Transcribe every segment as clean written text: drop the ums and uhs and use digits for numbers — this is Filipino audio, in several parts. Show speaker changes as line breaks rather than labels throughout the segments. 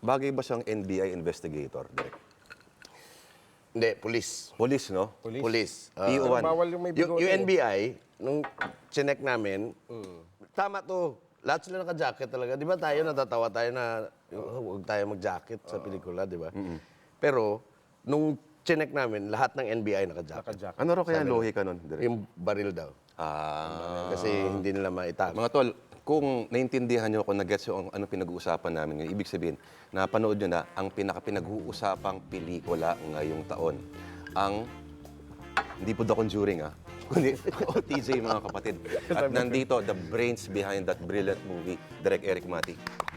bagay ba siyang NBI investigator, Direk?
Hindi, police.
Police, no?
Police.
PO1.
Bawal yung may
Yung
bigote.
NBI, nung chinek namin, tama to. Lahat sila naka-jacket talaga. Di ba tayo, natatawa tayo na huwag tayo mag-jacket sa pelikula, di ba? Pero, nung chinek namin, lahat ng NBI naka-jacket.
Naka-jacket.
Ano raw kaya lohi ka nun, Direk?
Yung baril daw. Kasi hindi nila maitago.
Mga tol, kung naintindihan nyo, kung nag-gets yung ano pinag-uusapan namin ngayon, ibig sabihin, napanood nyo na ang pinag-uusapang pelikula ngayong taon. Ang, hindi po The Conjuring, kundi OTJ, mga kapatid. At nandito, the brains behind that brilliant movie, Direk Eric Mati.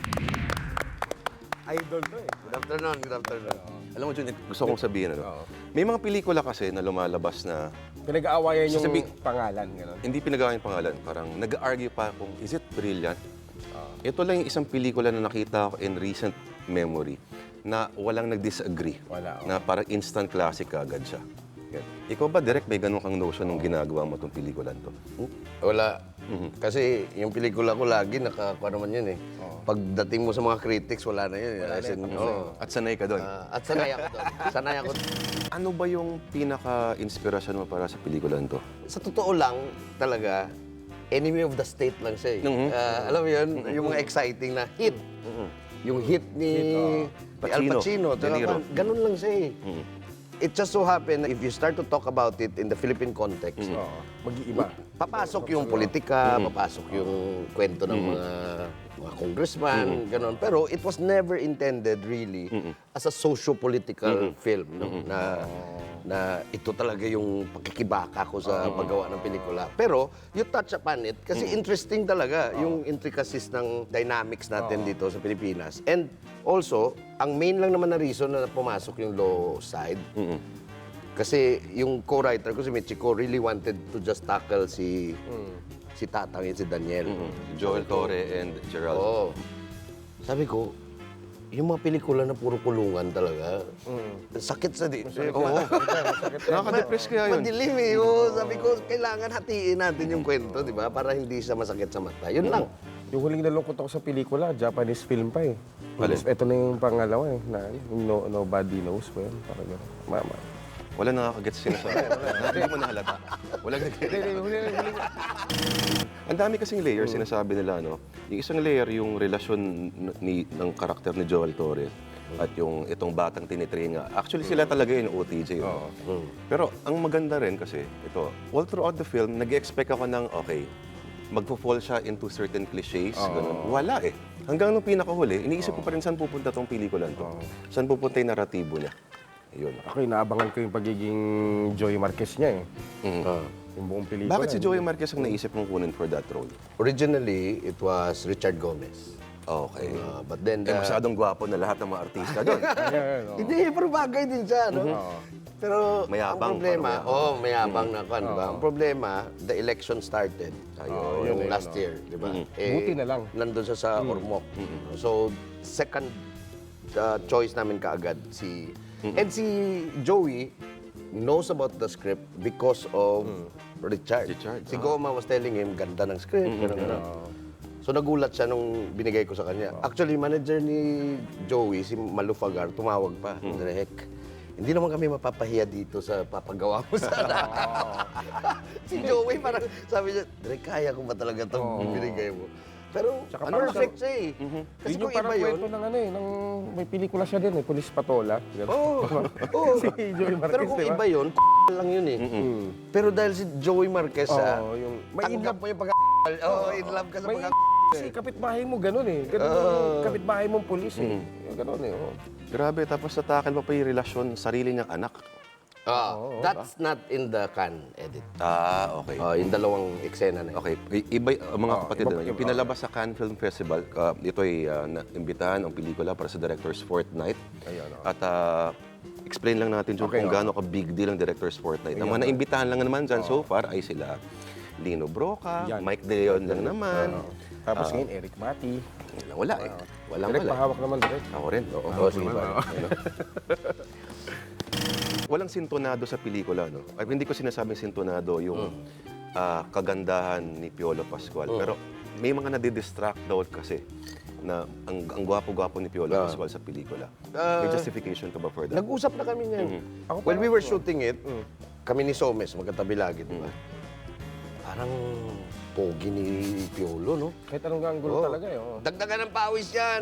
Idol to eh.
Good afternoon, good afternoon.
Alam mo, Jun, gusto kong sabihin, may mga pelikula kasi na lumalabas na
Pinag-aawayan yung
Sasabi-
pangalan. Gano'n.
hindi pinagawa yung pangalan. Parang nag-argue pa kung is it brilliant? Ito lang yung isang pelikula na nakita ko in recent memory na walang nag-disagree.
Wala,
Na parang instant classic agad siya. Ikaw ba, direct, may ganun kang notion nung ginagawa mo itong pelikulan to?
Wala. Kasi yung pelikula ko lagi, nakakuha naman yun eh. Pagdating mo sa mga critics, wala na yun. As in,
At sanay ka doon.
at sanay ako doon. Sanay ako.
Ano ba yung pinaka-inspirasyon mo para sa pelikulan to?
Sa totoo lang, talaga, enemy of the state lang siya eh. Alam mo yun, yung mga exciting na hit. Yung hit ni Al Pacino.
De Niro.
Ganun lang siya eh. It just so happened, if you start to talk about it in the Philippine context,
Mag-iiba.
papasok yung politika, papasok yung kwento ng mga congressman, gano'n. Pero it was never intended really as a socio-political film, no? Na ito talaga yung pagkikibaka ko sa paggawa ng pelikula. Pero you touch upon it kasi interesting talaga yung intricacies ng dynamics natin dito sa Pilipinas. And also, ang main lang naman na reason na pumasok yung law side, kasi yung co-writer ko, si Michiko, really wanted to just tackle si Tatang at si Daniel.
Joel Torre and Gerald.
Oo. Sabi ko, yung mga pelikula na puro kulungan talaga, sakit sa di. Oo.
Nakaka-depress kaya yun.
Madilim eh. Oo. Sabi ko, kailangan hatiin natin yung kwento, di ba? Para hindi siya masakit sa mata. Yun lang.
Yung huling nalungkot ako sa pelikula, Japanese film pa eh. Ito na yung pangalawa eh. Na, yung Nobody Knows ba yun? Parang gano'n. Mama.
Wala nakakagets sinasabi. Hindi mo nahalata. Wala Ang dami kasing layers sinasabi nila, no? Yung isang layer, yung relasyon ng karakter ni Joel Torre at yung itong batang tinitringa. Actually, sila talaga yung OTJ. No? Pero ang maganda rin kasi, ito, all throughout the film, nag-expect ako ng, okay, magpo-fall siya into certain clichés. Ganun. Wala eh. Hanggang nung pinakahuli, iniisip ko pa rin saan pupunta tong pelikulan to. Saan pupunta yung naratibo niya. Yun.
Ako, inaabangan ko yung pagiging Joey Marquez niya eh. Yung buong pelikula.
Bakit si Joey Marquez ang naisip mong kunin for that role?
Originally, it was Richard Gomez.
Okay.
But then,
Masyadong gwapo na lahat ng mga artista doon.
hindi, pero bagay din siya, no? Pero
Mayabang,
ang problema, mayabang na kan, di ba? Ang problema, the election started yung last year, di ba?
Buti na lang.
Nandun siya sa Ormoc. So, second choice namin kaagad si... And si Joey knows about the script because of Richard. Si Goma was telling him, ganda ng script, gano'n. So nagulat siya nung binigay ko sa kanya. Actually, manager ni Joey, si Malufagar, tumawag pa. Direk, hindi naman kami mapapahiya dito sa papagawa mo sana. Si Joey parang sabi niya, Direk, kaya ko ba talaga itong binigay mo? Pero perfect siya eh. Kasi
Yun
kung
yung parang
iba yun,
kwento ng ano eh, ng, may pelikula siya din eh, Police Patola. Si Joey Marquez,
pero kung
di ba?
iba yun, lang yun eh. Pero dahil si Joey Marquez,
yung, may in
tanggap
love,
mo yung in love ka sa
may kasi kapitbahay mo ganun eh. Ganun yung kapitbahay mong pulis eh. Yung ganun eh.
Grabe, tapos natakal mo pa yung relasyon sarili niyang anak.
That's not in the can edit.
Okay.
Yung dalawang eksena na yun.
Okay, iba mga kapatid, yung pinalabas sa Cannes Film Festival, ito ay imbitahan ang pelikula para sa Director's Fortnight. At explain lang natin kung gaano ka big deal ang Director's Fortnight. Ang mga naimbitahan lang naman dyan so far ay sila Lino Broca, Mike De Leon lang naman.
Tapos ngayon, Eric Mati.
Wala eh. Walang
Direk,
wala.
pahawak naman direct.
Ako rin. Oo, sige ba? Walang sintonado sa pelikula, no? Ay, hindi ko sinasabing sintonado yung kagandahan ni Piolo Pascual. Pero may mga nadidistract daw kasi na ang gwapo-gwapo ni Piolo Pascual sa pelikula. May justification ka ba for that?
Nag-usap na kami niyan.
Ako
When we
parang-
were shooting it, kami ni Somes, magkatabi lagi, di ba? Parang pogi ni Piolo, no?
Kahit anong anggulo
Oo.
talaga eh. Oo.
Dagdagan ng pawis yan.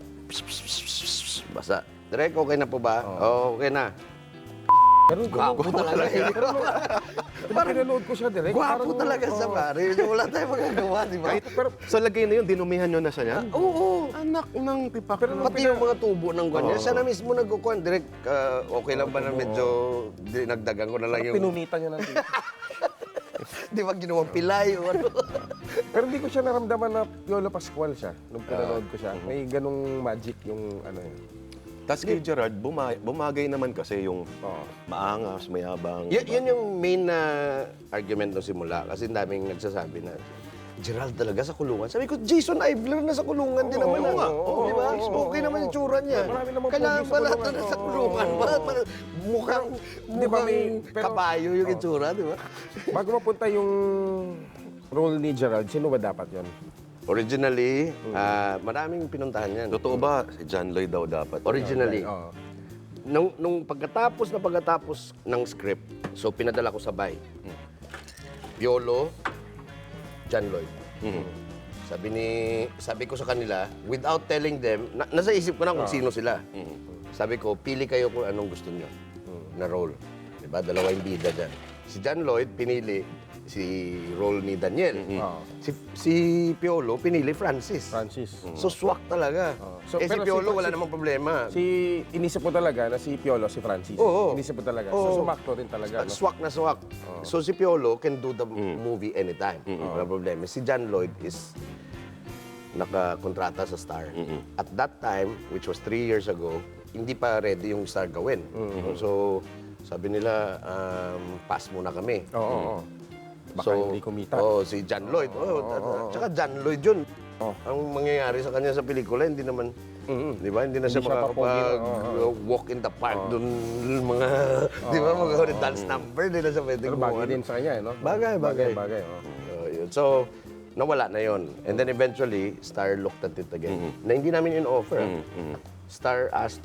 Basta. Direk, okay na po ba? Oo, okay na.
Pero
Gwapo talaga eh.
parang pinanood ko siya direct.
Gwapo talaga sa pare. Wala tayong magagawa, di ba?
Pero sa lagay na yun, dinumihan nyo na siya niyan?
Oo.
Anak ng tipak.
Pero nung
Pati yung mga tubo ng ganyan. Siya na mismo nagkukuhan. Direk, okay lang ba na medyo dinagdagan ko na lang yung...
Pinunita niya ng tito.
Di ba ginawang pilay o ano?
Pero hindi ko siya naramdaman na Piolo Pascual siya nung pinanood ko siya. May ganung magic yung ano yun.
Tapos kay Gerard, bumagay naman kasi yung maangas, mayabang.
Yun yung main na argument nung simula. Kasi daming nagsasabi na, Gerald talaga sa kulungan. Sabi ko, Jason Ivler na sa kulungan din naman. Di ba? Okay naman yung tsura niya.
Marami namang
Kailangan
pogi sa
ba lahat
kulungan?
na sa
Oo.
kulungan? Mukhang
Di ba may- pero-
kabayo yung itsura, di ba?
Bago mapunta yung role ni Gerald, sino ba dapat yon?
Originally, maraming pinuntahan yan.
Totoo ba, si John Lloyd daw dapat?
Originally.
Oo.
Nung pagkatapos ng script, so pinadala ko sabay. Piolo, John Lloyd. Sabi ko sa kanila, without telling them, nasa isip ko na kung sino sila. Sabi ko, pili kayo kung anong gusto nyo na role. Diba? Dalawa yung bida dyan. Si John Lloyd, pinili si role ni Daniel. Si Piolo, pinili Francis.
Francis.
So, swak talaga.
So,
si
pero
Piolo, wala namang problema.
Inisip ko talaga na si Piolo, si Francis.
Oo.
Inisip ko talaga.
Oo.
So, sumakto rin talaga. No?
Swak na swak. So si Piolo can do the movie anytime. Wala problema. Si John Lloyd is nakakontrata sa Star. At that time, which was 3 years ago, hindi pa ready yung Star gawin. So sabi nila, pass muna kami.
Oo. Baka hindi kumita.
Si John Lloyd. Tsaka John Lloyd yun. Ang mangyayari sa kanya sa pelikula, hindi naman, di ba? Hindi na siya
Hindi siya
makakapag-walk in the park doon, mga, di ba, mga dance number, hindi na siya pwede
Pero bagay din sa kanya, eh, no?
Bagay.
Bagay.
Yun. So, nawala na yon. And then eventually, Star looked at it again. Na hindi namin in-offer. Star asked,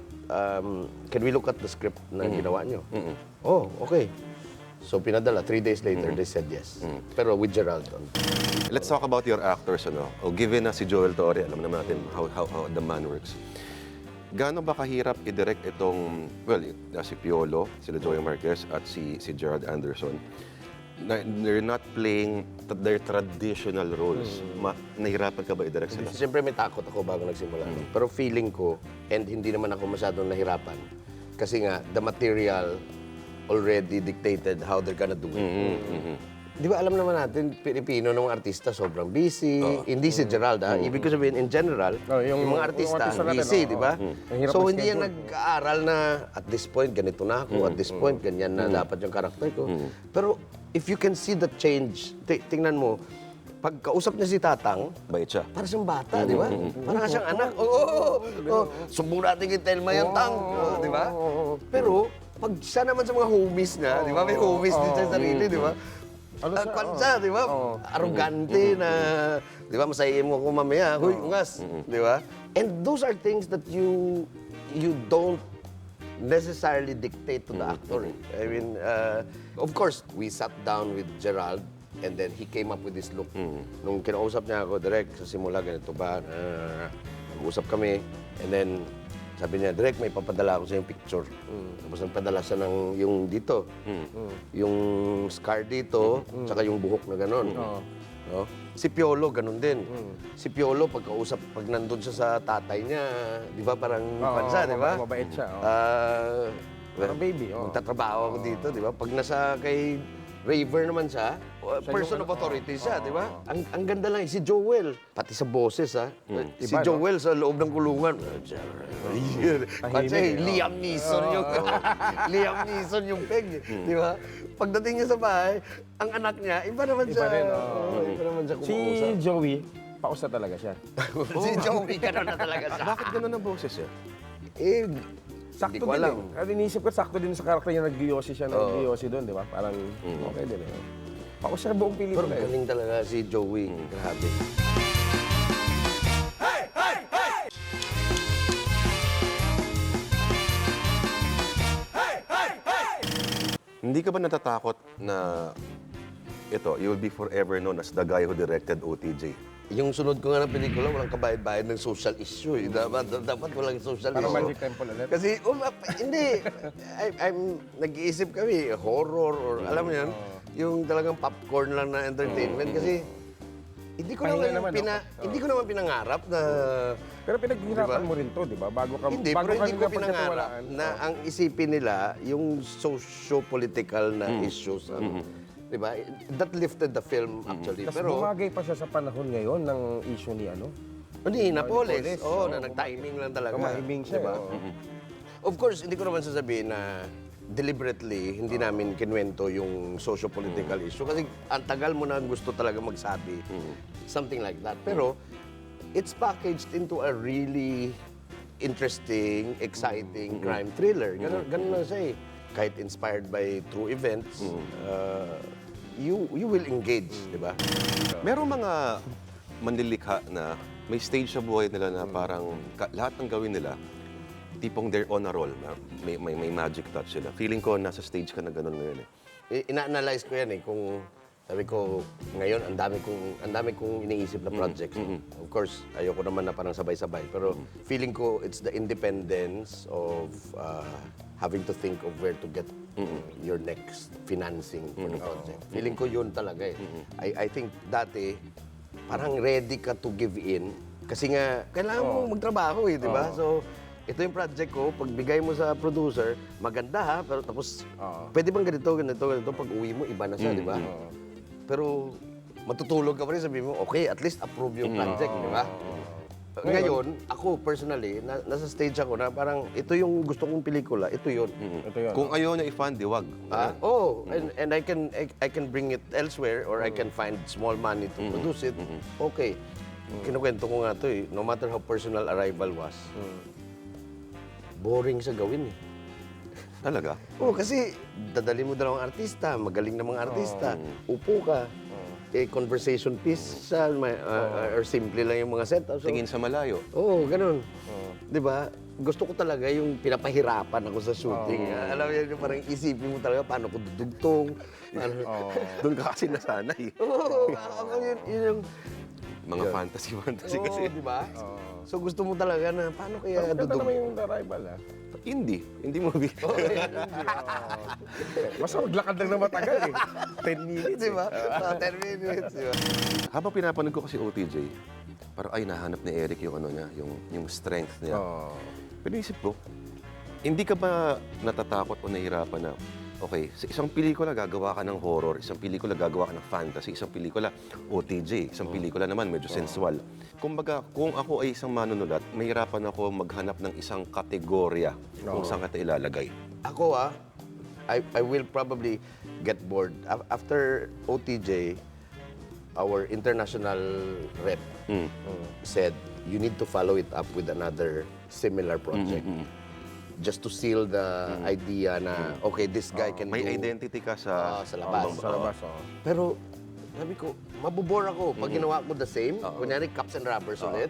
can we look at the script na ginawa nyo? Oh, okay. So, pinadala. 3 days later, they said yes. Pero with Gerald.
Let's talk about your actors, ano? O given na si Joel Torre, alam naman natin how the man works. Gaano ba kahirap i-direct itong, well, si Piolo, sila Joey Marquez, at si Gerald Anderson, na they're not playing their traditional roles. Nahirapan ka ba i-direct sila?
Siyempre may takot ako bago nagsimula. Pero feeling ko, and hindi naman ako masyadong nahirapan, kasi nga, the material already dictated how they're gonna do it. Di ba alam naman natin, Pilipino ng mga artista sobrang busy. Hindi si Gerald, Ibig ko sabihin, in general, yung mga artista,
natin,
busy, di ba?
Mahirap
So,
ang
hindi yan
schedule.
nag-aaral na, at this point, ganito na ako, at this point, ganyan na dapat yung karakter ko. Pero, if you can see the change, tingnan mo, pagkausap niya si Tatang,
Bait siya.
para siyang bata, di ba? Parang siyang anak. Oo. Sumbong natin kay Telma yung tang. Di ba? Pero, pag siya naman sa mga homies niya, di ba? May homies din sa sarili, di ba? Kwansa, di ba? Arrogante na, di ba? Masayin mo ako mamaya. Huy, ungas. Di ba? And those are things that you don't necessarily dictate to the actor. I mean, of course, we sat down with Gerald and then he came up with this look. Nung kinausap niya ako, direct, sa simula, ganito ba? Nag-usap kami. And then, sabi niya, direct, may papadala ako sa yung picture. Tapos nagpadala siya ng yung dito. Yung scar dito, tsaka yung buhok na gano'n. No? Si Piolo, ganun din. Si Piolo, pag nandun siya sa tatay niya, di ba parang pansa, di ba?
Mabait siya.
Parang
baby,
Magtatrabaho ako dito, di ba? Pag nasa kay Raver naman siya, person of authority siya, di ba? Ang ganda lang, si Joel, pati sa boses, si
Iba, no?
Joel sa loob ng kulungan. Kasi Liam Neeson yung Liam Neeson yung peg, di ba? Pagdating niya sa bahay, ang anak niya, iba naman siya.
Iba rin,
Iba naman siya
Si
kumausap.
Joey, pausa talaga siya.
Si Joey, gano'n na talaga siya.
Bakit ganun ang boses niya?
Sakto
Hindi ko
din
alam.
eh. At inisip ko, sakto din sa karakter niya, nag-giyosi siya, nag-giyosi doon, di ba? Parang okay din eh. Pausa na buong
Pero
pelikula eh.
galing talaga si Joey. Grabe.
Hindi ka ba natatakot na ito, you will be forever known as the guy who directed OTJ?
Yung sunod ko nga ng pelikula, walang kabayad-bayad ng social issue. Eh. Dapat walang social
Parang
issue.
Magic Temple ulit.
Kasi, hindi. Nag-iisip kami, horror or alam mo yan, yung talagang popcorn lang na entertainment. Kasi, hindi ko
Pahinga
naman,
naman, no?
hindi ko naman pinangarap na...
Pero pinaghirapan mo rin to, di ba? Bago ka,
Hindi,
bago
pero
ka
hindi ko
nila
pinangarap
pagkatiwalaan.
na ang isipin nila yung socio-political na issues. Di ba? That lifted the film actually.
Tapos
Pero,
bumagay pa siya sa panahon ngayon ng issue ni ano.
hindi, Napoles.
Napoles,
Oo,
oo.
na nag-timing lang talaga.
Kumahiming siya.
Diba?
Oo.
Of course, hindi ko naman sasabihin na deliberately hindi namin kinwento yung socio-political issue kasi ang tagal mo na gusto talaga magsabi. Something like that. Pero it's packaged into a really interesting, exciting crime thriller. Ganun lang siya eh. Kahit inspired by true events, you will engage, di ba?
Merong mga manlilikha na may stage sa buhay nila na parang lahat ng gawin nila, tipong they're on a roll. May magic touch sila. Feeling ko nasa stage ka na ganun ngayon eh.
Ina-analyze ko yan eh kung sabi ko ngayon ang dami kong iniisip na projects. Of course, ayoko naman na parang sabay-sabay pero feeling ko it's the independence of having to think of where to get your next financing for the project. Feeling ko yun talaga eh. I think dati parang ready ka to give in kasi nga kailangan mo magtrabaho eh, di ba? So ito yung project ko, pagbigay mo sa producer, maganda ha, pero tapos, pwede bang ganito, pag uwi mo, iba na siya, di ba? Pero, matutulog ka pa rin, sabi mo, okay, at least approve yung project, di ba? Ngayon, ako personally, nasa stage ako na parang, ito yung gusto kong pelikula, ito yun.
Ito yun.
Kung ayaw niya i-fund, diwag.
And I can bring it elsewhere or I can find small money to produce it. Okay. Kinukwento ko nga to eh, no matter how personal Arrival was, boring sa gawin eh.
Talaga?
Kasi dadali mo dalawang artista, magaling na mga artista, upo ka, conversation piece siya, or simple lang yung mga setup. So,
Tingin sa malayo.
Oo, ganun. Di ba? Gusto ko talaga yung pinapahirapan ako sa shooting. Alam mo yan, yung parang isipin mo talaga paano ko dudugtong.
Doon ka kasi nasanay.
Oo, ako yun yung...
Mga fantasy kasi.
di ba? So gusto mo talaga na paano kaya
Ganda
dudug...
naman yung Arrival ah.
Hindi movie.
Basta maglakad lang na matagal eh. 10 minutes
Di ba? 10 minutes, di ba?
Habang pinapanood ko kasi OTJ, parang ay nahanap ni Eric yung ano niya, yung strength niya. Pero isip ko, hindi ka ba natatakot o nahihirapan na, okay, sa isang pelikula gagawa ka ng horror, isang pelikula gagawa ka ng fantasy, isang pelikula OTJ, isang pelikula naman medyo sensual. Kumbaga, kung ako ay isang manunulat, mahirapan ako maghanap ng isang kategorya kung saan ka ilalagay.
Ako I will probably get bored. After OTJ, our international rep said, you need to follow it up with another similar project. Just to seal the idea na, okay, this guy can
May
do...
identity ka sa
labas.
Sa labas,
Pero, sabi ko, mabubore ako pag ginawa ko the same. Kunyari, cups and rubbers ulit.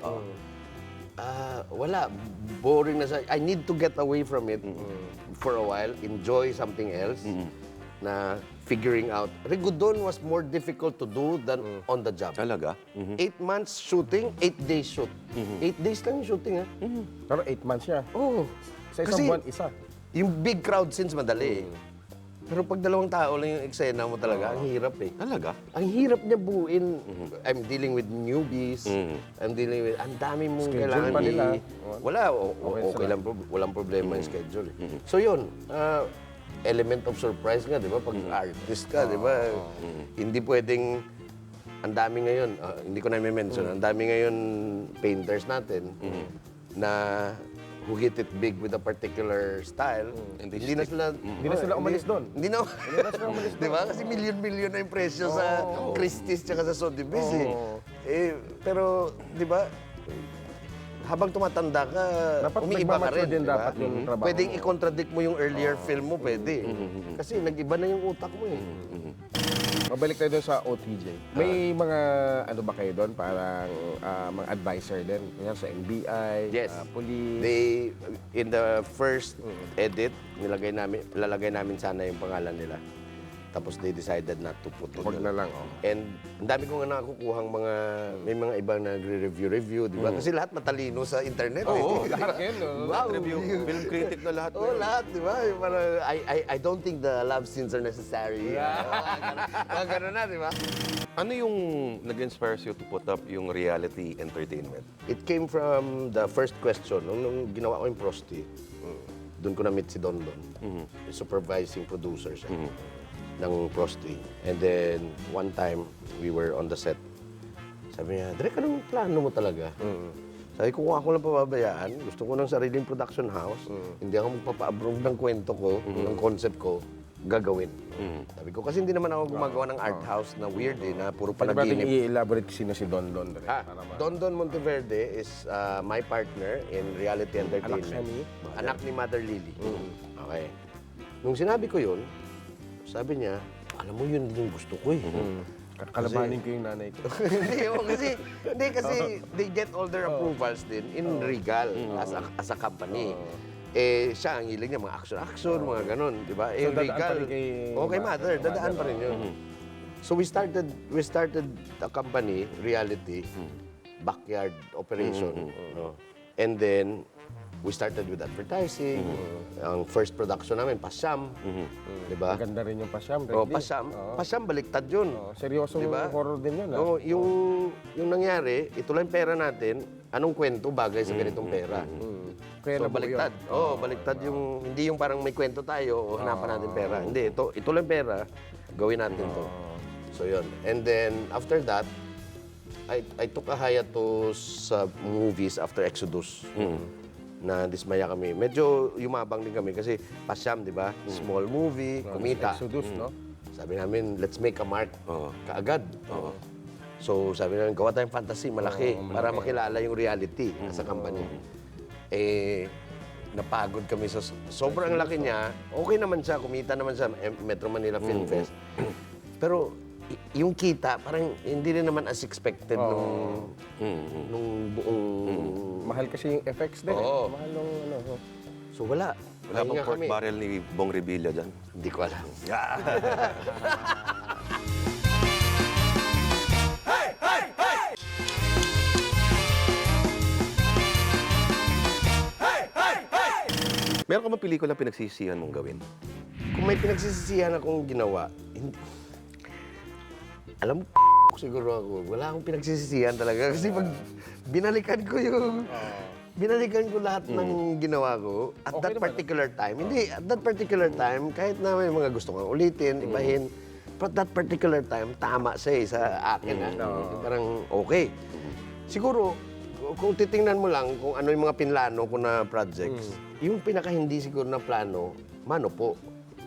Wala. Boring na sa... I need to get away from it for a while, enjoy something else na figuring out. Rigudon was more difficult to do than on the job.
Talaga?
8 months shooting, 8 days shoot. 8 days lang yung shooting, ha?
Pero 8 months siya.
Oo.
Sa isang buwan, isa.
Yung big crowd scenes madali. Pero pag dalawang tao lang yung eksena mo talaga, ang hirap eh.
Talaga?
Ang hirap niya buuin. I'm dealing with newbies. I'm dealing with... Ang dami mong
Schedule
kailangan
pa nila.
Wala. Okay lang. Walang problema yung schedule. So yun, element of surprise nga, di ba? Pag artist ka, di ba? Hindi pwedeng... Ang dami ngayon, hindi ko na i-mention, ang dami ngayon painters natin na who hit it big with a particular style. Hindi na sila...
Hindi na sila umalis doon.
Hindi na sila umalis doon. Di ba? Kasi milyon-milyon na yung presyo sa Christie's tsaka sa Sotheby's eh. Pero, di ba? habang tumatanda ka,
Dapat
umiiba ka
nagmamature
rin.
din
di ba?
dapat yung trabaho
Pwedeng
mo.
i-contradict mo yung earlier film mo, pwede. Kasi nag-iba na yung utak mo eh.
Mabalik tayo doon sa OTJ. May mga ano ba kayo doon? Parang mga advisor din. Kaya sa NBI,
Yes.
police.
They, in the first edit, lalagay namin sana yung pangalan nila. Tapos they decided not to put it.
Wag na lang. Oh.
And ang dami ko nga nakukuhang may mga ibang nagre-review, di ba? Kasi lahat matalino sa internet.
Oo,
eh.
lahat yun, no?
Wow.
Review, film critic na lahat.
Oo, lahat, di ba? Yung parang, I don't think the love scenes are necessary. Mga ganun na, di ba?
Ano yung nag-inspire you to put up yung reality entertainment?
It came from the first question. Nung ginawa ko yung Prosti, doon ko na-meet si Don Don. Yung supervising producer siya ng Prosti. And then, one time, we were on the set. Sabi niya, Direk, anong plano mo talaga? Sabi ko, kung ako lang pababayaan, gusto ko ng sariling production house, hindi ako magpapa-approve ng kwento ko, ng concept ko, gagawin. Sabi ko, kasi hindi naman ako gumagawa ng art house na weird na puro
Pwede ba natin
panaginip.
i-elaborate sino si Don Don?
Don Don Monteverde is my partner in reality entertainment.
siya ni?
Anak ni Mother Lily. Okay. Nung sinabi ko yun, sabi niya, alam mo yun din yung gusto ko eh.
Kakalabanin ko yung nanay ko.
hindi kasi they get all their approvals din in Regal as a company. Eh, siya ang hilig niya, mga action-action, mga ganun, di ba? Eh,
dadaan
Regal,
pa rin kay
okay, Mother, dadaan pa rin yun. So we started the company, Reality, backyard operation. No? And then, we started with advertising. Ang first production namin, Pasyam. Di ba?
Maganda rin yung pasyam.
Oh,
Reddy.
Pasyam.
Oo.
Pasyam, baliktad yun.
Seryosong
Diba?
horror din yun.
No, yung nangyari, ito lang pera natin, anong kwento bagay sa ganitong pera?
Kaya
So,
nabuo
baliktad.
yun.
Oo, baliktad yung, hindi yung parang may kwento tayo o hanapan natin pera. Hindi, ito lang pera, gawin natin to. So, yun. And then, after that, I took a hiatus sa movies after Exodus. Na dismaya kami. Medyo yumabang din kami kasi Pasyam, di ba? Small movie, kumita.
Exodus, no?
Sabi namin, let's make a mark kaagad. So sabi namin, gawa tayong fantasy, malaki, para makilala yung reality sa company. Eh, napagod kami sa sobrang laki niya. Okay naman siya, kumita naman siya, Metro Manila Film Fest. Pero yung kita, parang hindi rin naman as expected nung buong...
Mahal kasi yung effects din.
Oo.
Mahal nung ano.
So wala.
Wala bang
Pahinga
pork
kami.
barrel ni Bong Revilla dyan?
Hindi ko alam.
Meron ka bang pelikula pinagsisihan mong gawin?
Kung may pinagsisisihan akong ginawa, hindi... Alam mo, siguro ako, wala akong pinagsisisihan talaga. Kasi pag binalikan ko yung... Binalikan ko lahat ng ginawa ko at that particular time. Hindi, at that particular time, kahit na may mga gusto kong ulitin, ibahin, but that particular time, tama siya sa akin. Parang okay. Siguro, kung titingnan mo lang kung ano yung mga pinlano ko na projects, yung pinaka-hindi siguro na plano, Mano po.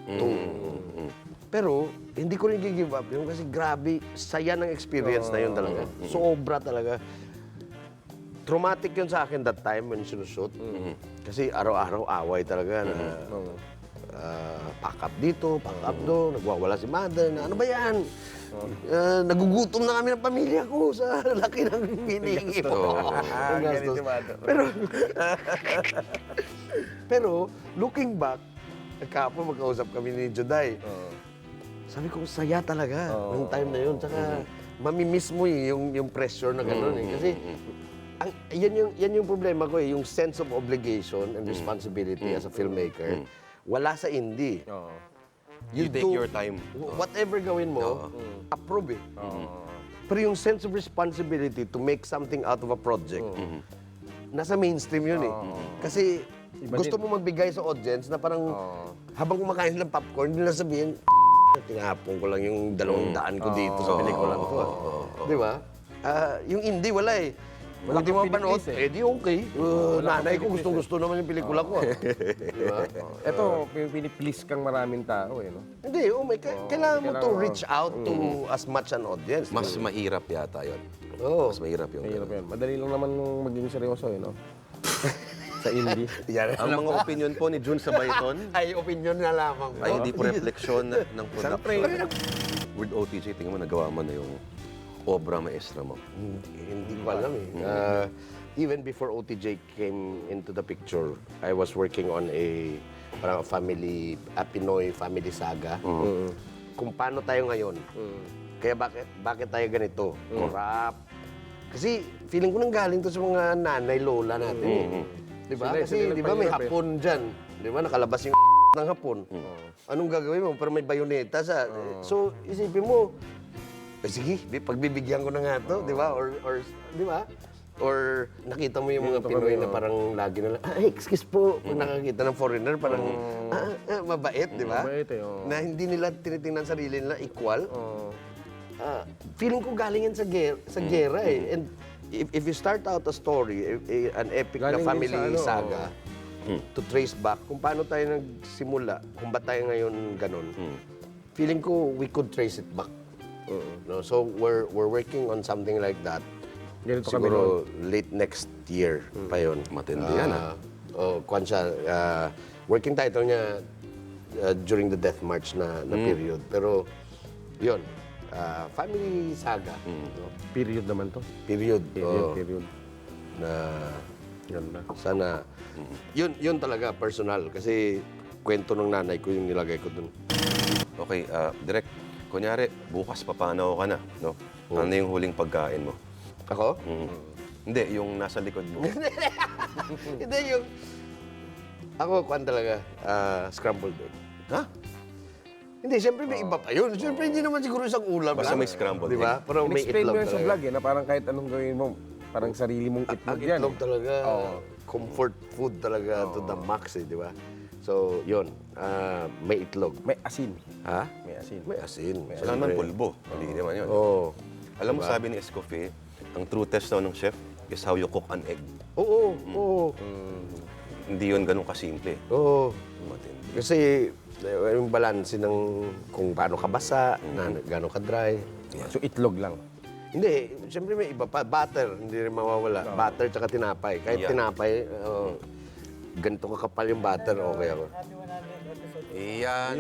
Pero, hindi ko rin give up yun kasi grabe, saya ng experience na yun talaga. Sobra talaga. Traumatic yun sa akin that time when sinushoot. Kasi araw-araw away talaga na pack up dito, pack up doon, nagwawala si mother na ano ba yan? Nagugutom na kami ng pamilya ko sa laki ng hinihingi mo. Ang gastos. Pero, looking back, kahapon magkausap kami ni Juday. Sabi ko, saya talaga ng time na yun. Tsaka, mamimiss mo yung pressure na gano'n eh. Kasi, yan yung problema ko eh, yung sense of obligation and responsibility as a filmmaker, wala sa indie.
You take your time.
Whatever gawin mo, approve eh. Pero yung sense of responsibility to make something out of a project, nasa mainstream yun eh. Kasi gusto mo magbigay sa audience na parang habang kumakain ng popcorn, hindi na sabihin, tinapon ko lang yung 200 ko dito sa pelikula ko. Di ba? Yung indie, wala eh.
Wala
Buti mo
kang
panood,
piniplis eh.
di okay. Nanay ko gustong-gusto naman yung pelikula ko. Diba?
Ito, piniplease kang maraming tao eh, no?
Hindi, kailangan mo to reach out to as much an audience.
Mas mahirap yata yun.
Oo.
Mas mahirap yung
Mahirap yan. Madali lang naman maging seryoso, no? Sa indie.
Yan.
Ang mga opinion po ni Jun Sabayton
Ay, opinion na lamang po.
ay hindi po refleksyon ng
Isang
production. With OTJ, tingnan mo, nagawa mo na yung obra maestra mo.
Hindi ko alam eh. Even before OTJ came into the picture, I was working on a parang Pinoy family saga. Kung paano tayo ngayon. Kaya bakit tayo ganito? Corrupt. Kasi feeling ko nang galing to sa mga nanay, lola natin eh. Di ba?
Sila
Kasi di ba may
nagpahirap eh.
hapon dyan. Di ba? Nakalabas yung ng hapon. Anong gagawin mo? Pero may bayoneta sa... So, isipin mo, sige, pagbibigyan ko na nga to, di ba? Or di ba? Or nakita mo yung mga Pinoy na parang lagi na lang, excuse po, pag nakakita ng foreigner, parang mabait, di ba?
Mabait eh, oo.
Na hindi nila tinitingnan sarili nila equal. Feeling ko galing yan sa gera eh. And if you start out a story, an epic na
Galing din
family
sa ano,
saga, to trace back kung paano tayo nagsimula, kung ba't tayo ngayon ganun, feeling ko we could trace it back. No? So we're working on something like that.
Ganito kami
Siguro late next year pa yun.
Matindi yan,
Kwan siya, working title niya during the Death March na period. Pero yun, family saga. No?
Period naman to.
Period.
Period.
Na
Ganda.
sana, yun talaga personal. Kasi kwento ng nanay ko yung nilagay ko dun.
Okay, Direk, kunyari, bukas papanaw ka na, no? Ano yung huling pagkain mo?
Ako?
Hindi, yung nasa likod mo.
Hindi yung... Ako, kwan talaga, scrambled egg.
Ha?
Hindi, siyempre may iba pa yun. Siyempre hindi naman siguro isang ulam
Basta
lang.
may scrambled
Di ba? Pero may
In-explain
itlog
mo yun sa
talaga.
vlog eh, na parang kahit anong gawin mo, parang sarili mong itlog
Ang
yan.
itlog
eh.
talaga, comfort food talaga to the max eh, di ba? So, yun, may itlog.
May asin.
Ha?
May asin.
May asin.
Wala naman pulbo. Mali naman yun.
Oo.
Alam mo, sabi ni Escoffier, ang true test daw ng chef is how you cook an egg.
Oo, oo.
Hindi yun ganun kasimple.
Oo.
Matindi.
Kasi, yung balance ng kung paano ka basa, na gaano ka dry.
So itlog lang.
Hindi, siyempre may iba pa. Butter, hindi rin mawawala. Butter tsaka tinapay. Kahit
Yeah.
tinapay, ganito kakapal yung butter, okay ako.
Iyan.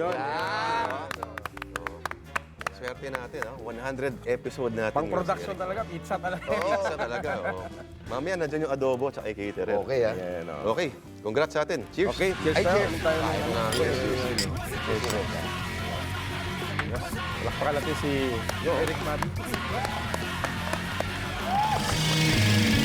Swerte natin, 100 episode natin.
Pang-production talaga, pizza talaga.
Pizza talaga, Mamaya, nandyan yung adobo at caterer.
Okay, ah.
Yan,
Okay, congrats sa atin. Cheers.
Okay, cheers
Ay,
tayo.
cheers.
Ano tayo?
Cheers.
Palakpakan natin si Eric Mati.